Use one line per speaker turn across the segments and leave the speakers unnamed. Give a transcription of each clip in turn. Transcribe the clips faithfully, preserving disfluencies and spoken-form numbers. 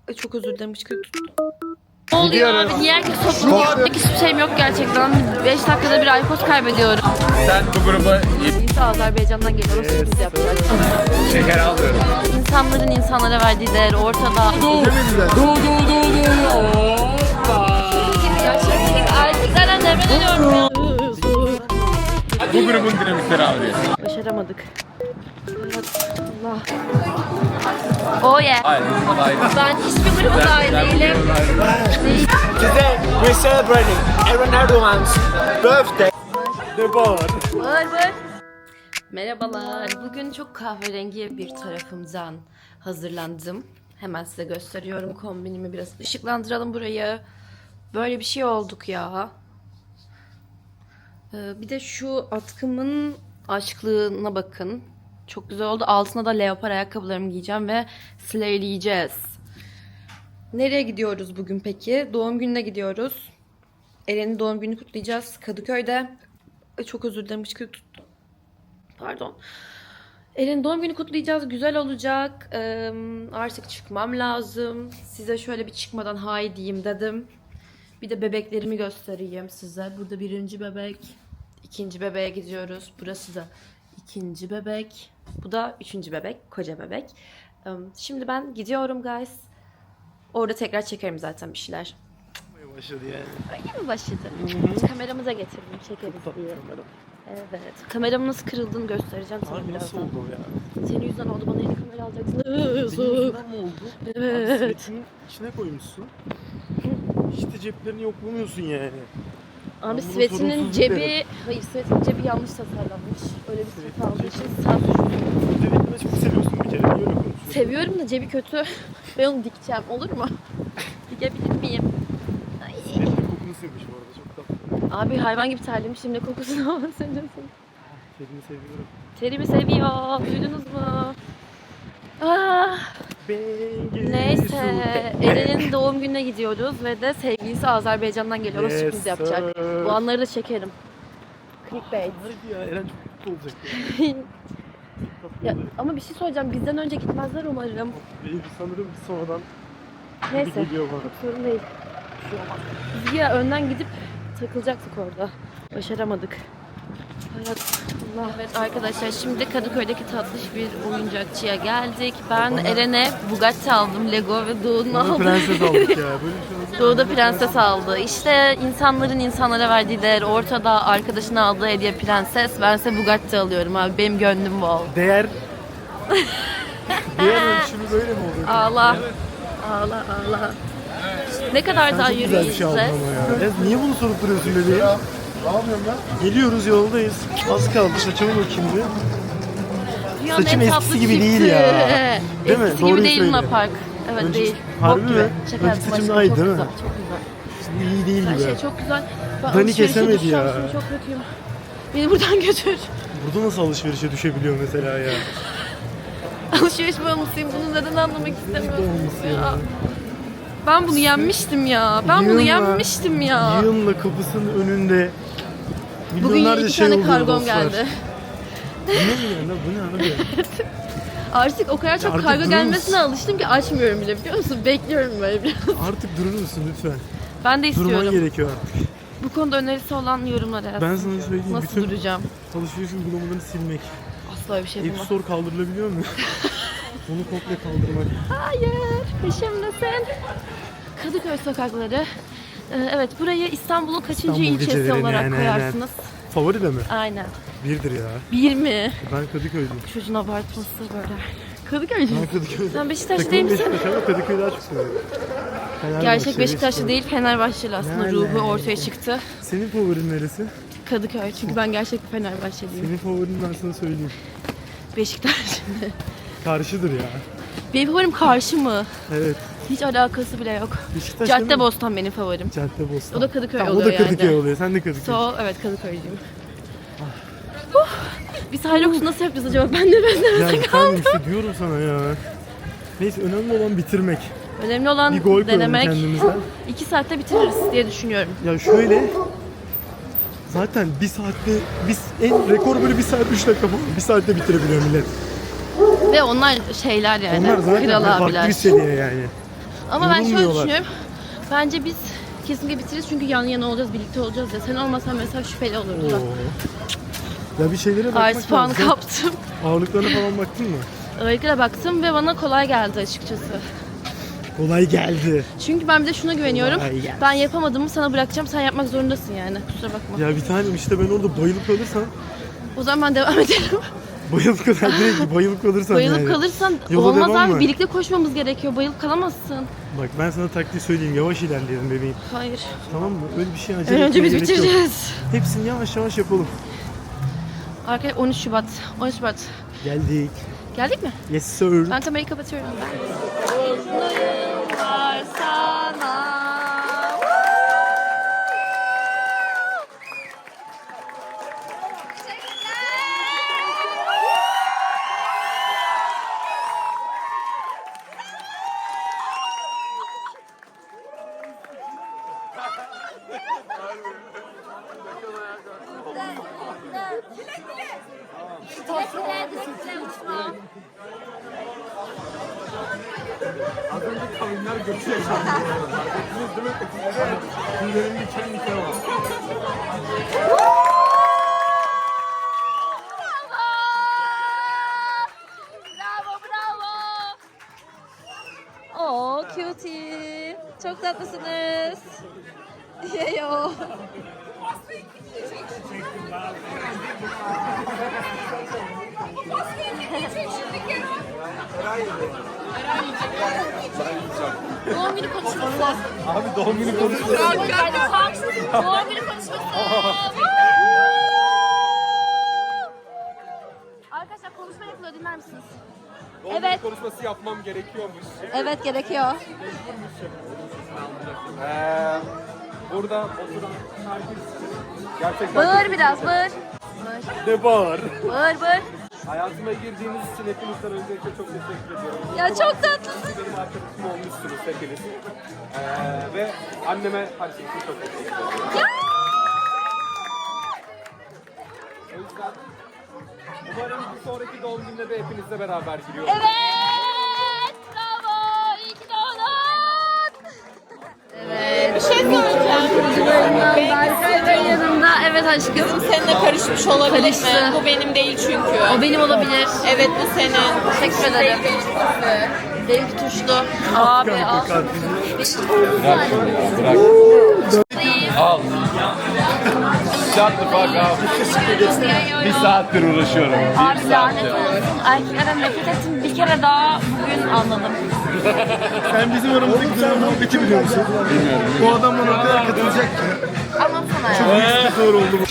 Ay çok özür dilerim. Hıçkırık tuttu. Ne oluyor abi? Niye herkes toplanıyor? Hiçbir şeyim yok gerçekten. beş dakikada bir aykoz kaybediyorum.
Sen bu gruba
İnsan Azerbaycan'dan geliyor. O sürpriz yapacak.
şeker alıyorum.
İnsanların insanlara verdiği değer ortada.
Do do do do do. Hoppa.
Erkeklerden nefret ediyorum ya.
Bu grubun dinamikleri abi.
Başaramadık. Allah. Oh yeah.
Hayır, hayır.
Ben hiçbir gruba dahil değilim. Değil.
Today we're celebrating Aaron Erdogan's birthday. The board.
Bağır bağır. Merhabalar. Bugün çok kahverengi bir tarafımdan hazırlandım. Hemen size gösteriyorum kombinimi. Biraz ışıklandıralım burayı. Böyle bir şey olduk ya. Ee, bir de şu atkımın aşklığına bakın. Çok güzel oldu. Altına da leopar ayakkabılarımı giyeceğim ve slayleyeceğiz. Nereye gidiyoruz bugün peki? Doğum gününe gidiyoruz. Eren'in doğum gününü kutlayacağız Kadıköy'de. Ay çok özür dilerim. Hıçkırık tuttu. Pardon. Eren'in doğum günü kutlayacağız. Güzel olacak. Ee, artık çıkmam lazım. Size şöyle bir çıkmadan hay diyeyim dedim. Bir de bebeklerimi göstereyim size. Burada birinci bebek. İkinci bebeğe gidiyoruz. Burası da ikinci bebek. Bu da üçüncü bebek. Koca bebek. Şimdi ben gidiyorum guys. Orada tekrar çekerim zaten bir şeyler.
Başladı yani.
Öyle mi başladı? Kameramı da getirdim. Çekeriz diye. Evet. Kameramın nasıl kırıldığını göstereceğim sana
Abi
birazdan.
nasıl oldu o ya?
Senin yüzünden oldu. Bana yeni kamera alacaksın.
Benim yüzümden mi oldu?
Evet.
Abi sivetinin içine koymuşsun. Hiç de ceplerini yoklamıyorsun yani.
Abi
bunu
Svet'inin
sorunsuz
cebi...
derim.
Hayır, Svet'in cebi yanlış tasarlanmış. Öyle bir
Svet'in
Svet aldığı
cebi-
için sen suçlusun.
Sivetini çok seviyorsun bir kere. Niye öyle konuşuyorsun?
Seviyorum da cebi kötü. Ben onu dikeceğim. Olur mu? Dikebilir miyim? Ay.
Sivetinin kokunu sevmiş bu arada. Çok tatlı.
Abi hayvan gibi terlemişim. Ne kokusunu ama söylüyorsun.
Terini seviyorum.
Terimi seviyor. Duydunuz mu? Ah.
Bengi
Neyse.
su.
Eren'in doğum gününe gidiyoruz ve de sevgilisi Azerbaycan'dan geliyor. O
Yes,
sürpriz yapacak.
sir.
Bu anları da çekerim. Clickbait.
Hadi ya Eren çok mutlu olacak ya. Çok tatlı
Ya,
olacak.
ama bir şey söyleyeceğim. Bizden önce gitmezler umarım.
Benim sanırım sonradan
Neyse.
geliyor bana.
Çok sorun değil. Bir şey olmaz. Biz ya önden gidip takılacaktık orada. Başaramadık. Evet. Allah. Evet arkadaşlar şimdi Kadıköy'deki tatlış bir oyuncakçıya geldik. Ben Eren'e Bugatti aldım. Lego ve Doğu'nun
Bana
aldı.
prenses aldık ya. Böyle bir şey olsa-
Doğu da prenses aldı. İşte insanların insanlara verdiği değer ortada. Arkadaşına aldığı hediye prenses. Bense Bugatti alıyorum abi. Benim gönlüm bol.
Değer. Değer ölçümü böyle mi oluyor?
Ağla. Ağla ağla. Ne kadar daha
Çok güzel bir şey
yürüyeceğiz?
aldın ama ya. Ya niye bunu sorup duruyorsun bebeğim? Ne yapıyorum ben? Geliyoruz yoldayız. Az kaldı saçımı bakayım bir.
Dünyanın
Saçım
en
eskisi
tatlı
gibi değil
çifti.
ya. Değil mi?
Eskisi
Doğruyu
gibi değil
söyle.
Luna Park. Evet
Önce-
değil.
Harbi
Bok
mi?
gibi. Şaka
Önce
yaptım
saçım
aşkım.
daha iyi
Çok
değil mi?
güzel, çok güzel.
İyi değil
Her
gibi.
şey çok güzel. Ben
Dani
alışverişe
kesemedi
düşeceğim
ya.
şimdi, çok kötüyüm. Beni buradan götür.
Burada nasıl alışverişe düşebiliyor mesela ya?
Alışveriş bağımlısıyım. Bunu neden anlamak istemiyorum
bağımlısı
ya.
ya.
Ben bunu yenmiştim ya. Ben bunu
Yığınla-
yenmiştim ya.
Yığınla kapısının önünde
Bugün
milyonlarca
iki
şey
tane
oluyor
kargom
dostlar.
geldi.
Bu ne ya? Bu ne abi?
Artık o kadar çok
Artık
kargo
durur
gelmesine
musun?
alıştım ki açmıyorum bile, biliyor musun? Bekliyorum böyle biraz.
Artık durur musun lütfen?
Ben de
Durman
istiyorum.
gerekiyor artık.
Bu konuda önerisi olan yorumlara yazsın.
Ben sana söyleyeyim.
Nasıl
bütün
duracağım?
alışveriş uygulamalarını silmek.
Asla öyle bir şey
App
yapamam.
Store kaldırılabiliyor mu? Onu komple kaldırmak.
Hayır, peşimdesin. Kadıköy sokakları. Ee, evet, burayı İstanbul'un kaçıncı
İstanbul
ilçesi
geceleri,
olarak
yani,
koyarsınız?
Favori de mi?
Aynen.
Birdir ya.
Bir mi?
Ben Kadıköylüyüm.
Çocuğun abartması böyle. Kadıköy'cü
Ben
müsün?
Kadıköylüyüm.
Sen Beşiktaşlı
Takımım
değil misin?
Beşiktaş ama Kadıköy'ü daha çok seviyorum. Fenerbahçe,
Gerçek Beşiktaşlı
Beşiktaş.
değil, Fenerbahçeli aslında
Ne
ruhu
alaka?
ortaya çıktı.
Senin favorin neresi?
Kadıköy, çünkü ben gerçek bir Fenerbahçeliyim.
Senin favorin ben sana söyleyeyim.
Beşiktaş.
Karşıdır ya.
Benim favorim karşı mı?
Evet.
Hiç alakası bile yok.
Beşiktaş değil mi?
Caddebostan benim favorim.
Caddebostan.
O da Kadıköy
Tamam,
oluyor
o da Kadıköy
yani.
oluyor. Sen de Kadıköy.
So, evet Kadıköy'cüyüm. Huh. Biz Hilux'u nasıl yapacağız acaba? Ben de ben de
Ya efendim işte diyorum sana ya. Neyse önemli olan bitirmek.
Önemli olan
Bir gol koyalım
denemek.
kendimizden.
İki saatte bitiririz diye düşünüyorum.
Ya şöyle zaten bir saatte biz en rekor böyle bir saat üç dakika falan bir saatte bitirebiliyor millet.
Ve onlar şeyler yani.
Onlar zaten
Kral
farklı
abiler.
bir seviye yani.
Ama ben şöyle
Yorulmuyorlar.
düşünüyorum. Bence biz kesinlikle bitiririz çünkü yan yana olacağız, birlikte olacağız ya. Sen olmasan mesela şüpheli olurdu da.
Oo. Ya bir şeylere bakmak
Artı puan
lazım.
kaptım.
Ağırlıklarına falan baktın mı?
Ağırlıklara baktım ve bana kolay geldi açıkçası.
Kolay geldi.
Çünkü ben bir de şuna güveniyorum.
Kolay gelsin.
Ben yapamadığımı sana bırakacağım. Sen yapmak zorundasın yani. Kusura bakma.
Ya bir tanem işte ben orada bayılıp kalırsam
O zaman ben devam edelim.
bayılıp kalır direkt bayılıp kalırsam
Bayılıp
yani.
kalırsan
Yola
olmaz
devam
abi.
mı?
Birlikte koşmamız gerekiyor. Bayılıp kalamazsın.
Bak ben sana taktiği söyleyeyim, yavaş ilerleyelim bebeğim.
Hayır.
Tamam mı? Öyle bir şey acele
En önce
etmeye
biz
gerek yok.
bitireceğiz.
Hepsini yavaş yavaş yapalım.
Arkadaşlar on üç Şubat. on üç Şubat.
Geldik.
Geldik mi?
Yes sir.
Ben kamerayı kapatıyorum. Yıllar sana.
Az önce kavimler göçü yaşandı. Farkındınız değil mi? Evet. Tüylerim diken diken oldu.
Bravo, bravo. Oo, cutie. Çok tatlısınız. Yeyo. Doğum günü konuşması.
Abi doğum günü konuşması.
Doğum günü konuşması. Arkadaşlar konuşma yapılıyor, dinler misiniz?
Doğum günü konuşması yapmam gerekiyormuş.
Evet, gerekiyor.
Ee, burada oturan herkes gerçekten
Bağır biraz, bağır.
ne bağır.
Bağır, bağır.
Hayatıma girdiğiniz için hepinizden öncelikle çok teşekkür ediyorum.
Ya çok tatlısın.
Benim arkadaşım olmuşsunuz hepiniz. Ee, ve anneme her şey için çok teşekkür ediyorum. O yüzden umarım bir sonraki doğum gününde de hepinizle beraber giriyoruz.
Evet, bravo. İyi ki doğdun. Evet. Bir şey söyleyeceğim. Berkay Bey yanımda. Evet aşkım.
Seninle karışmış olabilir
Karıştı.
mi? Bu benim değil çünkü.
O benim olabilir.
Evet bu senin.
Teşekkür ederim. Benimki tuşlu. Abi al.
Al. Shut the fuck up. Bir saattir uğraşıyorum.
Abi lanet olsun. Erkeklerden nefret ettim. Bir kere daha bugün anladım.
Sen bizim aramızdaki güzel muhabbeti biliyor musun? Bilmiyorum. Bu adam bana o kadar katılacak ki.
Anlatsana ya.
Çok zor oldu bu.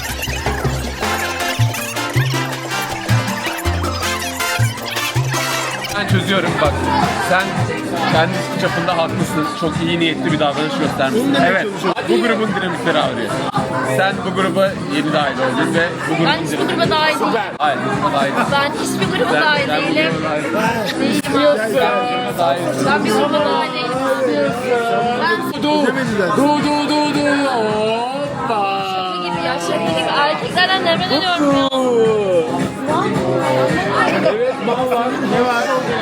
Ben çözüyorum bak. Sen kendi çapında haklısın. Çok iyi niyetli bir davranış göstermişsin. Evet. Bu grubun dinamikleri ağrıyor. Sen bu gruba yeni dahil oldun ve bu grubun
Ben hiçbir
dinamikleri...
gruba dahil değilim.
Hayır, bu gruba dahil.
Ben hiçbir gruba dahil
Sen bu
değilim.
gruba dahil.
Değilim
Sen bu gruba dahil.
Ben bir gruba dahil değilim. Ben
Du, du, du, du, du. Hoppa.
şaka gibi ya. Şaka gibi. Erkeklerden nefret ediyorum ya.
Evet, mal var. Ne var?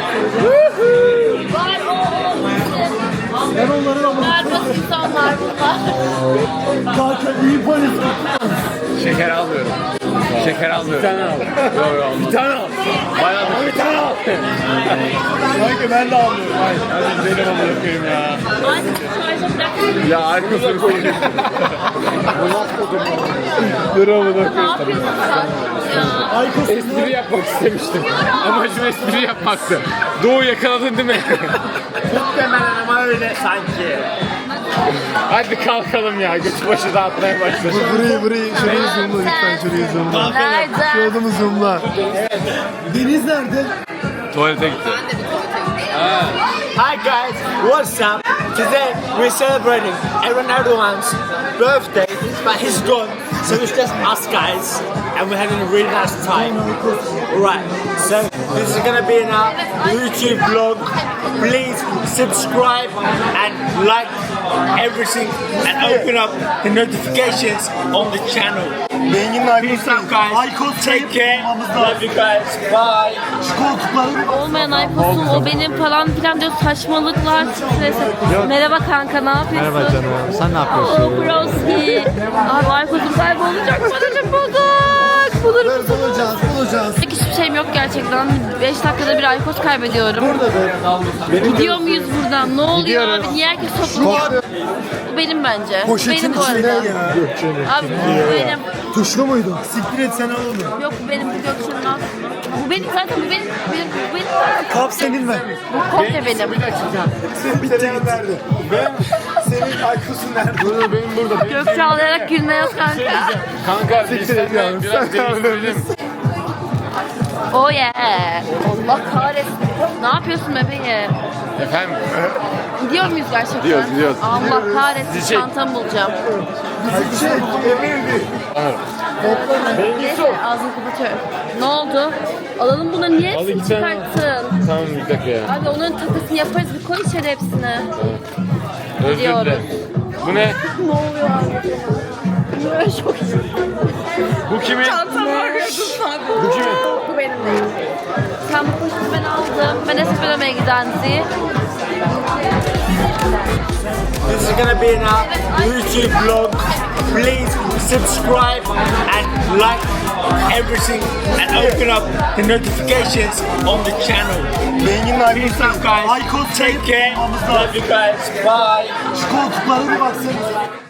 Var o o.
Ben onların ama
Nerede insanlar bunlar?
kanka iyi polis.
Şeker almıyorum. Şeker almıyorum. Bir tane al. Yok yok. Bir tane al. Bayağı bir tane al.
Kanka ben de almıyorum.
Hayır, hadi gidelim amına koyayım ya.
Şarja bırak.
Ya arkasını koyayım. Dur amına
Ne
koyayım.
yapıyorsun sen ya?
Espri yapmak istemiştim. Amacım espri yapmaktı. Doğu yakaladın değil mi?
Muhtemelen ama öyle sanki.
Hadi kalkalım ya. Götü başı dağıtmaya başladı.
Burayı burayı şurayı zoomla lütfen şurayı zoomla.
Nerede?
Şu adamı zoomla. Deniz nerede?
Tuvalete gitti.
Hi guys, what's up? Today we're celebrating Aaron Erdogan's birthday, but he's gone, so it's just us guys, and we're having a really nice time. Right, so this is gonna be in our YouTube vlog. please subscribe and like everything and open up the notifications on the channel.
Bengin'in
Peace out guys.
Aykos
Take care.
olmamız
Love
lazım.
you guys. Bye.
Şu koltukları
Olmayan Aykos'un o benim falan filan diyor saçmalıklar. Stresi. Merhaba kanka ne yapıyorsun?
Merhaba canım. Sen ne yapıyorsun?
Oo broski. Abi Aykos'um kaybolacak. Moralim bozuk. Bulur musun?
bulacağız, bulacağız.
Hiçbir şeyim yok gerçekten. beş dakikada bir Aykos kaybediyorum.
Burada be.
Gidiyor muyuz buradan? Ne oluyor
Gidiyoruz.
abi? Niye herkes toplanıyor? Bu benim bence. Bu benim bu arada. Abi bu benim.
Tuşlu muydu? Siktir et sen al onu.
Yok bu benim bu Gökçen'in al. Bu benim zaten bu benim. Bu benim, bu benim zaten.
Kap senin ver.
Bu komple benim.
Senin bitti nerede? Ben senin Aykos'un nerede? Burada benim burada.
Gökçe ağlayarak gülme yaz kanka.
Kanka biz
Siktir et
seninle
yavrum,
biraz
sen
değiştirelim.
Oh yeah. Allah kahretsin. Ne yapıyorsun bebeğim?
Efendim?
Gidiyor muyuz gerçekten?
Gidiyoruz, gidiyoruz.
Allah kahretsin
Bizi çek.
çantamı bulacağım.
Bizi şey, emirdi.
Neyse ağzını kapatıyorum. Ne oldu? Alalım bunu niye hepsini
iki tane.
çıkarttın?
Tamam bir dakika ya.
Abi onların takısını yaparız bir koy içeri hepsini.
Özür
Gidiyoruz.
dilerim. Bu ne?
Ne oluyor abi? Böyle çok
Bu kimin?
Çantamı arıyordum sen.
Bu kimin?
Bu benim değil. Sen bu poşeti ben aldım. Ben Espre'ye giden Zi.
This is gonna be in our YouTube vlog. Please subscribe and like everything and open up the notifications on the channel.
Bengin'in
Peace out guys.
Aykos
Take care.
olmamız
Love
lazım.
you guys. Bye.
Şu koltuklara bir baksana.